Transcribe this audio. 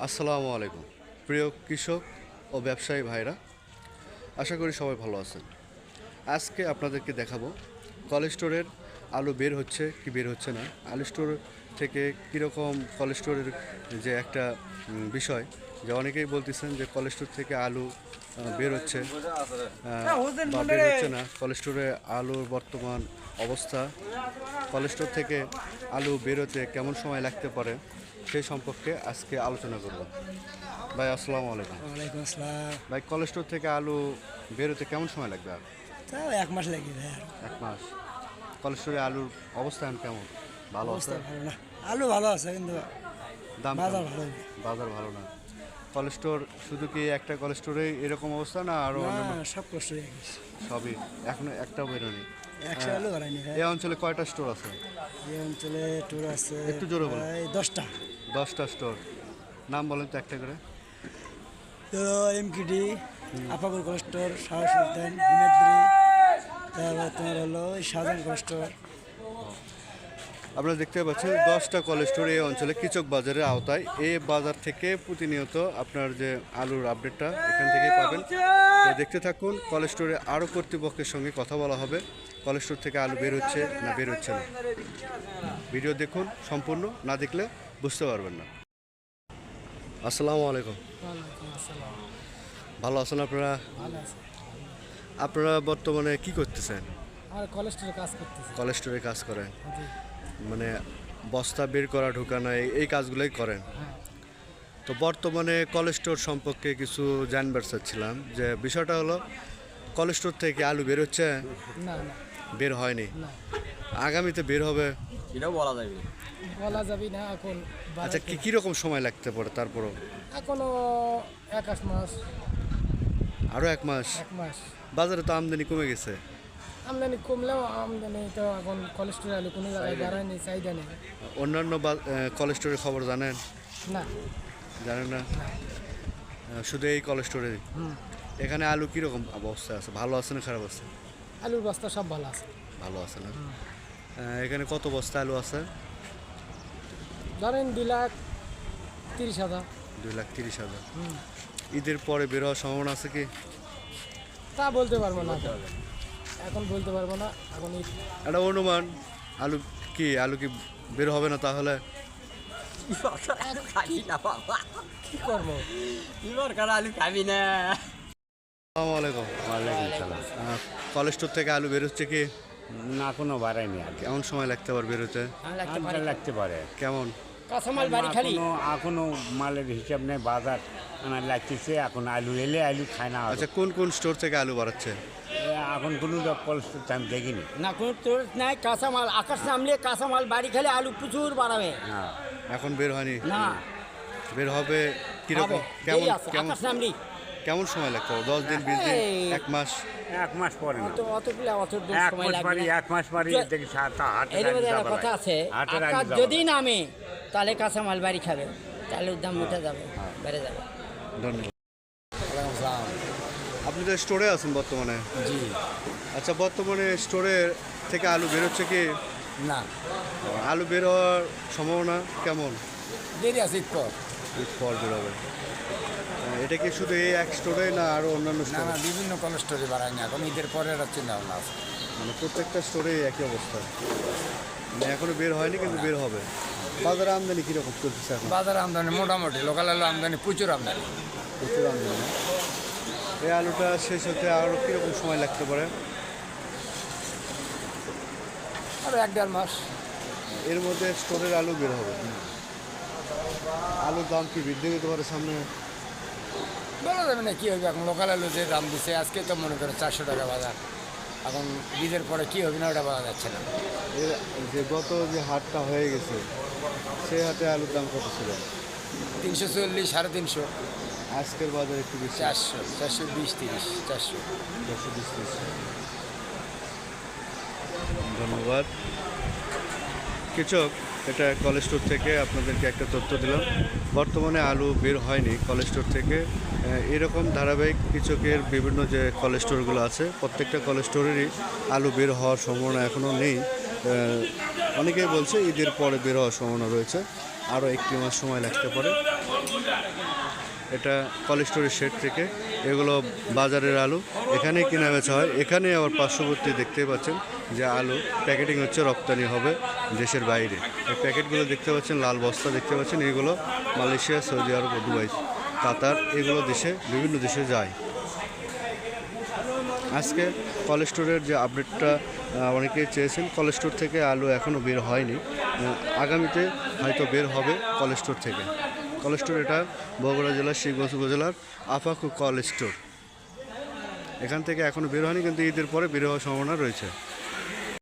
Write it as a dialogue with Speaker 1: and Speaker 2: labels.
Speaker 1: আসসালামু আলাইকুম প্রিয় কৃষক ও ব্যবসায়ী ভাইরা, আশা করি সবাই ভালো আছেন। আজকে আপনাদেরকে দেখাবো কোল্ড স্টোরের আলু বের হচ্ছে কি বের হচ্ছে না, আলু স্টোর থেকে কীরকম কোল্ড স্টোরের যে একটা বিষয়, যে অনেকেই বলতেছেন যে কোল্ড স্টোর থেকে আলু বের হচ্ছে বা বের হচ্ছে না। কোল্ড স্টোরে আলুর বর্তমান অবস্থা, কোল্ড স্টোর থেকে আলু বেরোতে কেমন সময় লাগতে পারে সেই সম্পর্কে আজকে আলোচনা করব। ভাই আসসালামু আলাইকুম।
Speaker 2: ওয়ালাইকুম আসসালাম।
Speaker 1: ভাই, কোল্ড স্টোর থেকে আলু বেরোতে কেমন সময় লাগবে? আর
Speaker 2: তাও 1 মাস লাগবে ভাই। আর
Speaker 1: 1 মাস। কোল্ড স্টোরে আলুর অবস্থান কেমন? ভালো
Speaker 2: অবস্থা
Speaker 1: আছে?
Speaker 2: ভালো না, আলু ভালো আছে কিন্তু
Speaker 1: দাম
Speaker 2: বাজার
Speaker 1: কেমন?
Speaker 2: ভালো না।
Speaker 1: বাজার ভালো না। কোল্ড স্টোর শুধু কি একটা কোল্ড স্টোরে এরকম অবস্থা, না আরও অন্যান্য?
Speaker 2: না, সব কষ্ট হয়ে গেছে।
Speaker 1: সবই এখনো একটাও বেরোনি।
Speaker 2: 100 আলু বাড়ায়নি ভাই।
Speaker 1: এই অঞ্চলে কয়টা স্টোর আছে?
Speaker 2: এই অঞ্চলে টুর আছে
Speaker 1: একটু জোরে বলুন।
Speaker 2: প্রায় 10টা।
Speaker 1: 10টা স্টোর। নাম বলেন তো একটা করে।
Speaker 2: ধরো এমকিডি, আপাগুর কস্টোর, শাহ সুলতান, হিমাদ্রি, তারপর তোমার হলো শাহজাহান কস্টোর।
Speaker 1: আপনারা দেখতে পাচ্ছেন 10টা কোল্ড স্টোর এই অঞ্চলে কৃষক বাজারের আওতায়। এই বাজার থেকে প্রতিনিয়ত আপনার যে আলুর আপডেটটা এখান থেকেই পাবেন। তো দেখতে থাকুন। কোল্ড স্টোরে আরও কর্তৃপক্ষের সঙ্গে কথা বলা হবে, কোল্ড স্টোর থেকে আলু বের হচ্ছে না বের হচ্ছে না। ভিডিও দেখুন, সম্পূর্ণ না দেখলে বুঝতে পারবেন না। আসসালামু আলাইকুম। ভালো আছেন আপনারা?
Speaker 2: ভালো আছে।
Speaker 1: আপনারা বর্তমানে কি করতেছেন?
Speaker 2: আর কলেস্টোরে কাজ করতেছি।
Speaker 1: কোল্ড স্টোরে কাজ করেন,
Speaker 2: জি।
Speaker 1: মানে বস্তা বের করা, ঢোকানো, এই কাজগুলোই করেন।
Speaker 2: হ্যাঁ।
Speaker 1: তো বর্তমানে কোল্ড স্টোর সম্পর্কে কিছু জানবার চাচ্ছিলাম, যে বিষয়টা হলো কোল্ড স্টোর থেকে আলু বের হচ্ছে?
Speaker 2: না না
Speaker 1: বের হয়নি,
Speaker 2: না,
Speaker 1: আগামীতে বের হবে?
Speaker 3: এটাও বলা যাবে না।
Speaker 2: বলা যাবে না এখন।
Speaker 1: আচ্ছা, কীরকম সময় লাগতে পারে তারপরও?
Speaker 2: এখনো 1 মাস।
Speaker 1: আরও 1 মাস?
Speaker 2: 1 মাস।
Speaker 1: বাজারে তো আমদানি কমে গেছে।
Speaker 2: আমদানি কমলেও আমদানি তো এখন কোলেস্ট্রল আলু কোনো জায়গায় বাড়ায়নি, চাহিদা নেই।
Speaker 1: অন্যান্য কোল্ড স্টোরের খবর জানেন?
Speaker 2: না।
Speaker 1: জানেন না? শুধু এই কোল্ড স্টোরে? এখানে আলু কীরকম অবস্থা আছে? ভালো আছে না খারাপ আছে?
Speaker 2: আলুর বস্তা সব ভালো আছে।
Speaker 1: ভালো আছে না? এখানে কত বস্তা আলু আছে?
Speaker 2: ধরেন 2,30,000।
Speaker 1: 2,30,000। ঈদের পরে বের হওয়ার সম্ভাবনা আছে কি?
Speaker 2: তা বলতে পারবো না, এখন বলতে পারবো না। এখন
Speaker 1: একটা অনুমান। আলু কি বের হবে না তাহলে?
Speaker 3: আলু খাবি না বাবা,
Speaker 2: কি করবো?
Speaker 3: এবার কার আলু খাবি না।
Speaker 1: আসসালামু আলাইকুম।
Speaker 4: ওয়ালাইকুম সালাম।
Speaker 1: কোল্ড স্টোর থেকে আলু বেরোচ্ছে কি?
Speaker 4: না, কোনো বাড়ায়নি আর কি।
Speaker 1: কেমন সময় লাগতে পারে বেরোতে?
Speaker 4: আটটা লাগতে পারে।
Speaker 1: কেমন?
Speaker 2: কাঁচামাল বাড়ি খালি।
Speaker 4: এখনো মালের হিসাব নেই, বাজার আমার লাগতেছে। এখন আলু এলে আলু খায় না।
Speaker 1: আচ্ছা, কোন কোন স্টোর থেকে আলু বাড়াচ্ছে?
Speaker 4: এখন কোনো কলেজ আমি দেখিনি।
Speaker 5: না কোনো তোর নাই, কাঁচামাল আকাশ নামলে কাঁচামাল বাড়ি খেলে আলু প্রচুর বাড়াবে।
Speaker 4: হ্যাঁ,
Speaker 1: এখন বের হয়নি?
Speaker 5: না
Speaker 1: বের হবে কিরকম?
Speaker 5: হবে,
Speaker 1: কেমন
Speaker 5: দেরি আছে,
Speaker 1: কেমন
Speaker 5: আকাশ নামলি
Speaker 1: কেমন সময় লাগতে পারে? 10 দিন, 20 দিন,
Speaker 5: এই
Speaker 1: 1 মাস?
Speaker 4: 1 মাস পরে না।
Speaker 5: অতগুলো অত দিন
Speaker 4: 1
Speaker 5: সময়
Speaker 4: মাস
Speaker 5: লাগবে
Speaker 4: পারি,
Speaker 5: না।
Speaker 4: 1 মাস পারি দেখি হাটের
Speaker 5: এর
Speaker 4: আলু
Speaker 5: মধ্যে একটা
Speaker 4: যাবে
Speaker 5: কথা
Speaker 4: না।
Speaker 5: আছে,
Speaker 4: হাটের আলু
Speaker 5: আকাশ
Speaker 4: যাবে
Speaker 5: যদি
Speaker 4: না।
Speaker 5: নামে তাহলে কাঁচামাল বাড়ি খাবে, তাহলে দাম উঠে যাবে, বেড়ে যাবে।
Speaker 1: ধন্যবাদ। আপনি তো স্টোরে আছেন বর্তমানে?
Speaker 2: জি।
Speaker 1: আচ্ছা, বর্তমানে স্টোরে থেকে আলু বেরোচ্ছে কি?
Speaker 2: না,
Speaker 1: আলু বের হওয়ার সম্ভাবনা কেমন?
Speaker 2: দেরি আছে একটু।
Speaker 1: ঈদ পর বেরোবে। এটা কি শুধু এই এক স্টোরে, না আরও অন্যান্য
Speaker 6: না
Speaker 1: স্টোরে?
Speaker 6: না, বিভিন্ন কোলেস্টোরে বাড়ায়নি, এখন ঈদের পরে একটা চিন্তা ভাবনা আছে।
Speaker 1: মানে প্রত্যেকটা স্টোরে একই অবস্থা, মানে এখনো বের হয়নি কিন্তু বের হবে। বাজারে আমদানি কীরকম চলতেছে এখন?
Speaker 6: বাজারে আমদানি মোটামুটি, লোকাল আলু আমদানি প্রচুর আমদানি।
Speaker 1: প্রচুর আমদানি। এই আলুটা শেষ হতে আরও কীরকম সময় লাগতে পারে?
Speaker 6: আর 1-1.5 মাস।
Speaker 1: এর মধ্যে স্টোরের আলু বের হবে। আলুর দাম কি বৃদ্ধি পেতে পারে সামনে?
Speaker 6: বলা যাবে না কি হবে, এখন লোকাল আলু যে দাম দিচ্ছে, আজকে তো মনে করো 400 টাকা বাজার। এখন ঈদের পরে কি হবে না ওটা বলা যাচ্ছে না।
Speaker 1: এর যে গত যে হাটটা হয়ে গেছে, সেই হাটে আলুর দাম কত ছিল?
Speaker 6: 340, 350,
Speaker 1: আজকের বাজারে একটু বেশি,
Speaker 6: 400, 420, 30, 400।
Speaker 1: 420। ধন্যবাদ। কৃষক, এটা কোল্ড স্টোর থেকে আপনাদেরকে একটা তথ্য দিলাম। বর্তমানে আলু বের হয়নি কোল্ড স্টোর থেকে। এরকম ধারাবাহিক কৃষকের বিভিন্ন যে কোল্ড স্টোরগুলো আছে, প্রত্যেকটা কোল্ড স্টোরেরই আলু বের হওয়ার সম্ভাবনা এখনও নেই। অনেকেই বলছে ঈদের পরে বের হওয়ার সম্ভাবনা রয়েছে। আরও 1 মাস সময় লাগতে পারে। এটা কোল্ড স্টোরেজ শেড থেকে এগুলো বাজারের আলু, এখানেই কেনা বেচা হয়। এখানে আবার পার্শ্ববর্তী দেখতে পাচ্ছেন যে আলু প্যাকেটিং হচ্ছে, রপ্তানি হবে দেশের বাইরে। এই প্যাকেটগুলো দেখতে পাচ্ছেন, লাল বস্তা দেখতে পাচ্ছেন, এগুলো Malaysia, Saudi Arab, Dubai, Qatar এগুলো বিভিন্ন দেশে যায়। আজকে কোল্ড স্টোরের যে আপডেটটা অনেকেই চেয়েছেন, কোল্ড স্টোর থেকে আলু এখনও বের হয়নি, আগামীতে হয়তো বের হবে কোল্ড স্টোর থেকে। কোল্ড স্টোর এটা বগুড়া জেলার শিবগঞ্জ উপজেলার আপাকু কোল্ড স্টোর। এখান থেকে এখনও বের হয়নি, কিন্তু ঈদের পরে বের হওয়ার সম্ভাবনা রয়েছে।